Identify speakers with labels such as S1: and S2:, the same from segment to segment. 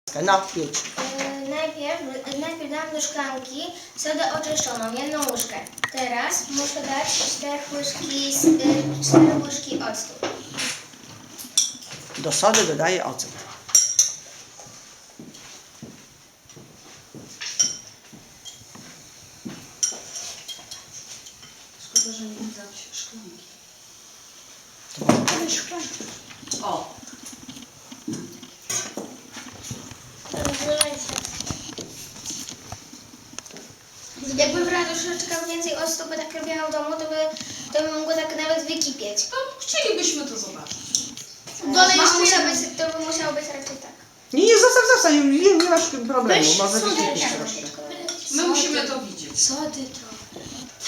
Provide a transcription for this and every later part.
S1: No, jedź.
S2: Najpierw dam do szklanki sodę oczyszczoną, 1 łyżkę. Teraz muszę dać 4 łyżki octu.
S1: Do sody dodaję ocet.
S3: Szkoda, że nie dać szklanki.
S1: To może dać szklankę.
S3: O!
S2: Jakbym brała troszeczkę więcej octu, by tak robiła w domu, to by mogło tak nawet wykipieć.
S3: To chcielibyśmy to zobaczyć.
S2: Dole to by musiało być raczej tak.
S1: Nie, zostaw, nie masz problemu. Może wykipić troszkę.
S3: My musimy to widzieć.
S2: Sody trochę.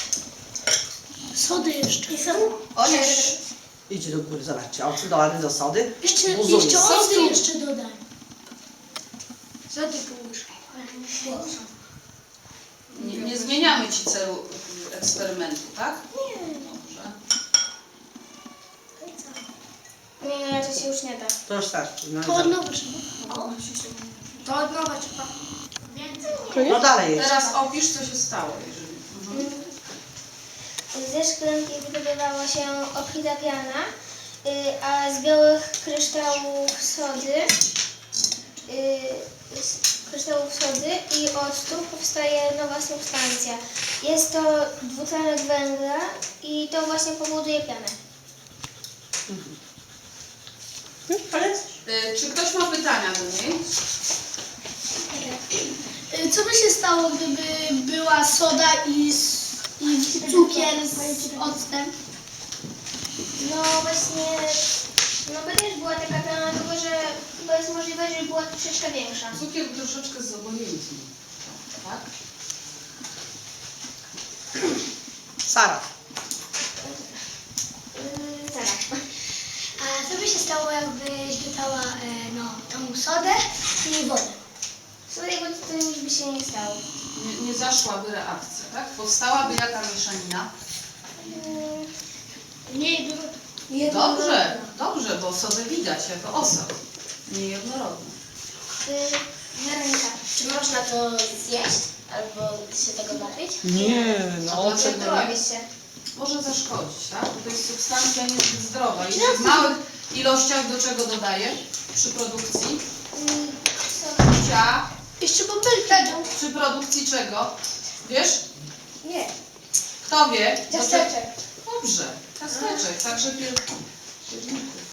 S4: Sody jeszcze.
S3: Chociaż
S1: Idź do góry, zobaczcie. Ocet dolany do sody.
S4: Jeszcze
S1: Buzuje.
S4: octy jeszcze dodaj.
S2: Sody pół łyżki.
S3: nie zmieniamy Ci celu eksperymentu, tak?
S2: Nie.
S3: Dobrze.
S2: Nie, to się już nie da.
S1: To już starczy. No,
S4: To od nowa trzeba.
S2: To od nowa trzeba.
S1: no dalej jedź.
S3: Teraz opisz, co się stało, jeżeli...
S2: Ze szklanki wydobywało się obfita piana, a z białych kryształów sody i octu powstaje nowa substancja. Jest to dwutlenek węgla i to właśnie powoduje pianę.
S3: Czy ktoś ma pytania do niej?
S4: Co by się stało, gdyby była soda i cukier z octem?
S2: No właśnie, no by też była taka piana, tylko że chyba jest możliwość, że była troszeczkę większa.
S3: Cukier troszeczkę zobojętny. Tak?
S1: Sara.
S2: Zaraz.
S4: A co by się stało, jakbyś dodała tą sodę i wodę?
S2: Słuchaj, bo to nic by się nie stało.
S3: Nie zaszłaby reakcja, tak? Powstałaby jaka mieszanina? Dobrze, bo sodę widać jako osad. Niejednorodny.
S2: Weronika, czy można to zjeść albo się tego napić?
S1: Nie, no
S3: Dlaczego
S1: ocet.
S3: nie?
S2: Robi się.
S3: Może zaszkodzić, tak? Bo to jest substancja niezbyt zdrowa. I w małych ilościach do czego dodaje przy produkcji? Picia.
S4: Jeszcze bąbelki.
S3: Przy produkcji czego? Wiesz?
S2: Nie.
S3: Kto wie?
S2: Ciasteczek.
S3: Dobrze, ciasteczek. Także